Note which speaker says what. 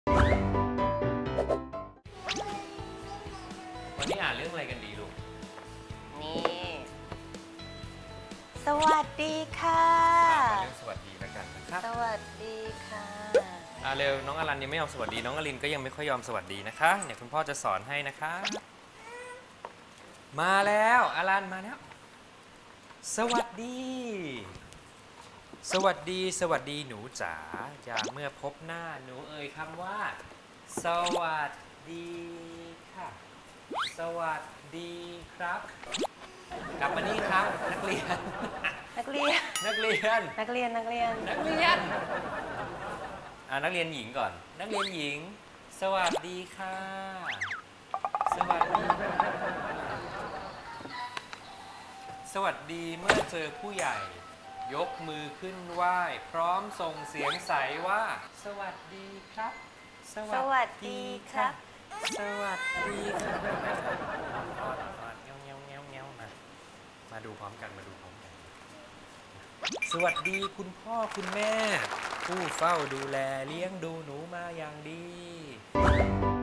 Speaker 1: วันนี้อ่านเรื่องอะไรกันดีลูก
Speaker 2: นี่สวัสดีค่ะ
Speaker 1: เรื่องสวัสดีแล้วกันนะครับ
Speaker 2: สวัสดีค่ะ
Speaker 1: เร็วน้องอลันยังไม่ยอมสวัสดีน้องอลินก็ยังไม่ค่อยยอมสวัสดีนะคะเนี่ยคุณพ่อจะสอนให้นะคะมาแล้วอลันมาแล้วสวัสดีสวัสดีสวัสดีหนูจ๋าอย่าเมื่อพบหน้าหนูเอ่ยคำว่าสวัสดีค่ะสวัสดีครับกลับมานี่ครับนักเรียน
Speaker 2: นักเรียน
Speaker 1: นักเรียน
Speaker 2: นักเรียนนักเรียน
Speaker 1: นักเรียนนักเรียนหญิงก่อนนักเรียนหญิงสวัสดีค่ะสวัสดีสวัสดีเมื่อเจอผู้ใหญ่ยกมือขึ้นไหว้พร้อมส่งเสียงใสว่าสวัสดีครับ
Speaker 2: สวัสดีครับ
Speaker 1: สวัสดีครับมาดูพร้อมกันมาดูพร้อมกันสวัสดีคุณพ่อคุณแม่ผู้เฝ้าดูแลเลี้ยงดูหนูมาอย่างดี